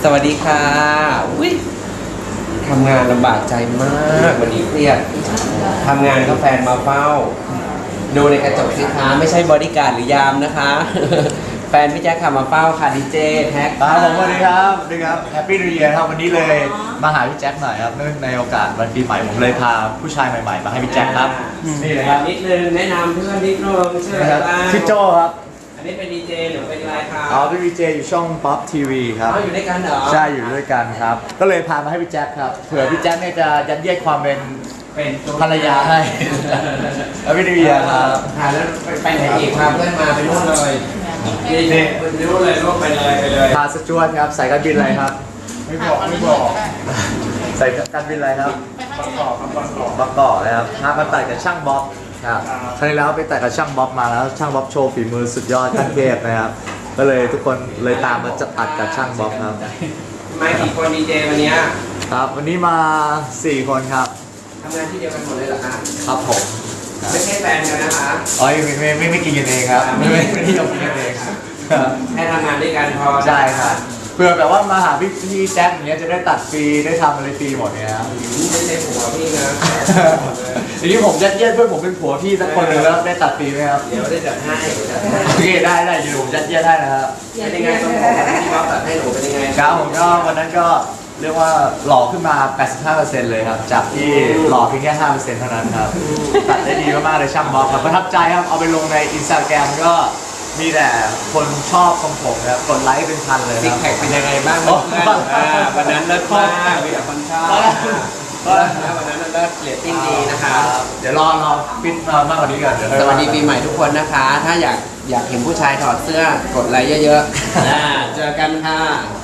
สวัสดีค่ะอุ๊ยทำงานลำบากใจมากวันนี้เครียดทำงานก็แฟนมาเฝ้า ดูในกระจกสิคะไม่ใช่บอดี้การ์ดหรือยามนะคะ แฟนพี่แจ๊คขับมาเฝ้าค่ะดีเจแท็กครับผมสวัสดีครับสวัสดีครับแฮปปี้นิว e ยร์ครับวันนี้เลยมาหาพี่แจ็คหน่อยครับเนื่องในโอกาสวันปีใหม่ผมเลยพาผู้ชายใหม่ๆมาให้พี่แจ็คครับนี่เลยครับนิดนึงแนะนำเพื่อนนิดนึงชื่ออะไรนะครับบ้างชื่อโจครับอันนี้เป็นดีเจหรือเป็นอะไรครับอ๋อเป็นดีเจอยู่ช่อง Pop TV ครับอ๋ออยู่ด้วยกันเหรอใช่อยู่ด้วยกันครับก็เลยพามาให้พี่แจ็คครับเผื่อพี่แจ็คเนี่ยจะยัดเยียดความเป็นเป็นตัวภรรยาให้แฮปปี้นิว e ยร์ครับแล้วไปไหนอีกพาเพื่อนมาไปนู่นเลยนี่ไปนู่นเลยลูกไปเลยพาสจวตครับใส่การบินอะไรครับไม่บอกใส่การบินอะไรครับประกอบนะครับพามาตัดกับช่างบ๊อบครับครั้งที่แล้วไปตัดกับช่างบ๊อบมาแล้วช่างบ๊อบโชว์ฝีมือสุดยอดขั้นเทพนะครับก็เลยทุกคนเลยตามมาจะตัดกับช่างบ๊อบครับมากี่คนดีเจวันนี้ครับวันนี้มา 4 คนครับทำงานที่เดียวกันหมดเลยเหรอคะครับผมไม่ใช่แฟนกันนะคะอ๋อไม่กินกันเองครับไม่ที่เรากินกันเองครับให้ทำงานด้วยกันพอใช่ครับเพื่อแบบว่ามาหาพี่แจ็คอย่างเงี้ยจะได้ตัดฟรีได้ทำอะไรฟรีหมดเนี่ยครับไม่ใช่ผัวพี่นะทีนี้ผมยัดเยียดเพื่อนผมเป็นผัวพี่สักคนหนึ่งแล้วได้ตัดฟรีไหมครับเดี๋ยวได้จัดให้โอเคได้อยู่ผมยัดเยียดให้นะครับเป็นยังไงต้องบอกที่เขาตัดให้หนูเป็นยังไงครับผมก็วันนั้นก็เรียกว่าหล่อขึ้นมา 85% เลยครับจากที่หล่อเพียงแค่ 5% เท่านั้นครับตัดได้ดีมากๆเลยช่างบ๊อบครับประทับใจครับเอาไปลงใน Instagram ก็มีแต่คนชอบของผมนะครับกดไลค์เป็นพันเลยซิกครับแพคเป็นยังไงบ้างเพื่อนวันนั้นเลิศมากมีแต่คนชอบวันนั้นเลิศเรตติ้งดีนะคะเดี๋ยวรอฟิตมากกว่านี้ก่อนเดี๋ยสวัสดีปีใหม่ทุกคนนะคะ ถ้าอยากเห็นผู้ชายถอดเสื้อกดไลค์เยอะๆเจอกันค่ะ